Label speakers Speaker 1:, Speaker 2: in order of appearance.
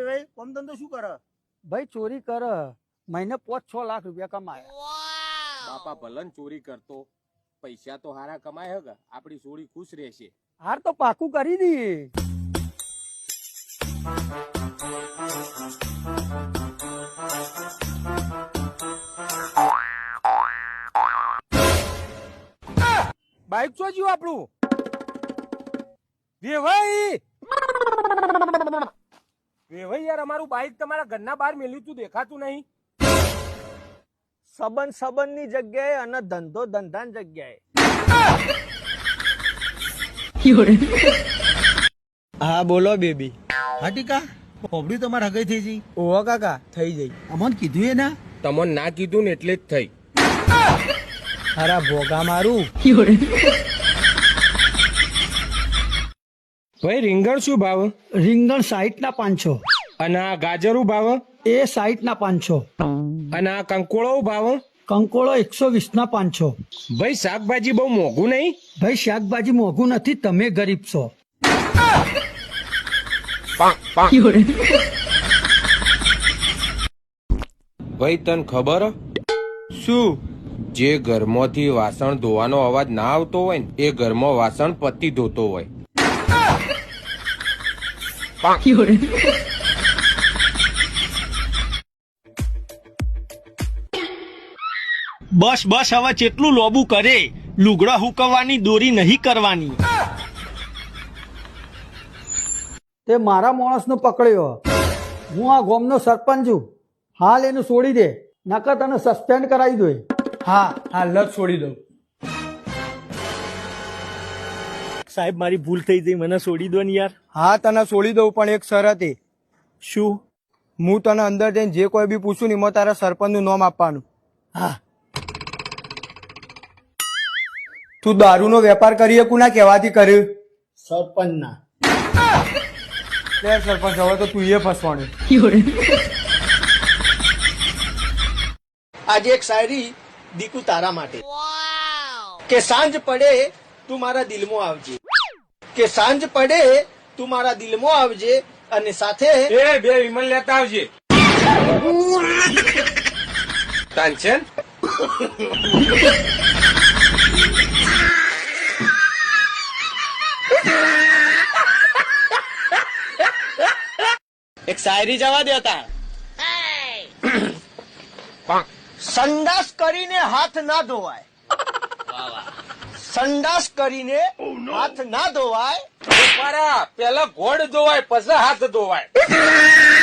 Speaker 1: ભાઈ કોમ ધંધો શું કરે?
Speaker 2: ભાઈ ચોરી કર, મહિને 5-6 લાખ રૂપિયા કમાય.
Speaker 3: બાપા ભલન ચોરી કરતો, પૈસા તો હારા કમાય હે, આપડી સોળી ખુશ રહેશે.
Speaker 2: હાર તો પાકું કરી દઈએ.
Speaker 3: બાઈક ચો જ્યું આપણું? વેવાઈ યાર, અમારું બાઈક તમારા ઘરના બહાર મેલ્યું તું, દેખાતું નહીં.
Speaker 2: સંબંધ ની જગ્યાએ અને ધંધો ધંધાની જગ્યાએ.
Speaker 1: હા બોલો બેબી.
Speaker 4: હા ટીકા, હોબડી તમારે હગાઈ થઈ જઈ?
Speaker 1: ઓહો કાકા થઈ જઈ.
Speaker 4: અમન કીધું એ ના?
Speaker 3: તમને ના કીધું ને એટલે જ થઈ.
Speaker 1: અરે ભોગા મારું.
Speaker 3: ભાઈ રીંગણ શું ભાવ?
Speaker 2: રીંગણ 60 ના 500.
Speaker 3: અને આ ગાજરું ભાવ?
Speaker 2: એ 60 ના 500.
Speaker 3: અને આ કંકોળો ભાવ?
Speaker 2: કંકોળો 120 ના 500.
Speaker 3: ભાઈ શાકભાજી બહુ મોંઘું નહીં?
Speaker 2: ભાઈ શાકભાજી મોંઘું નથી, તમે ગરીબ છો.
Speaker 3: ભાઈ તને ખબર?
Speaker 1: શું?
Speaker 3: જે ઘરમાંથી વાસણ ધોવાનો અવાજ ના આવતો હોય ને, એ ઘરમાં વાસણ પતિ ધોતો હોય.
Speaker 5: બસ બસ, હવે કેટલું લોબુ કરે? લુગડા હુકવવાની દોરી નહીં કરવાની.
Speaker 2: તે મારા માણસનો પકડ્યો. હું આ ગામનો સરપંચ છું. હાલ એનું છોડી દે, નકર તને સસ્પેન્ડ કરાવી દો.
Speaker 1: હા હાલ જ છોડી દઉં.
Speaker 5: સાહેબ મારી ભૂલ થઈ ગઈ, મને છોડી દો ને યાર.
Speaker 1: હા તને છોડી દઉં, પણ એક શરતે.
Speaker 5: શું?
Speaker 1: હું તને અંદર જઈને જે કોઈ બી પૂછું ને એમાં તારા સરપંચ નું નામ આપવાનું.
Speaker 2: હા.
Speaker 1: તું દારૂનો વેપાર કરી શકું ના કહેવાથી કર્યું?
Speaker 2: સરપંચ ના.
Speaker 1: લે સરપંચ, હવે તો તું એ ફસવાનું.
Speaker 5: આજે એક શાયરી દીકુ તારા માટે. કે સાંજ પડે તું મારા દિલમાં આવજે, કે સાંજ પડે તું મારા દિલમાં આવજે, અને સાથે
Speaker 3: એ બે વિમલ લેતા આવજે. તાનચન
Speaker 5: એક શાયરી જવા દેતા. સંડાસ કરીને હાથ ના ધોવાય, સંડાસ કરીને હાથ ના ધોવાય.
Speaker 3: પેલા ઘોડ ધોવાય પછી હાથ ધોવાય.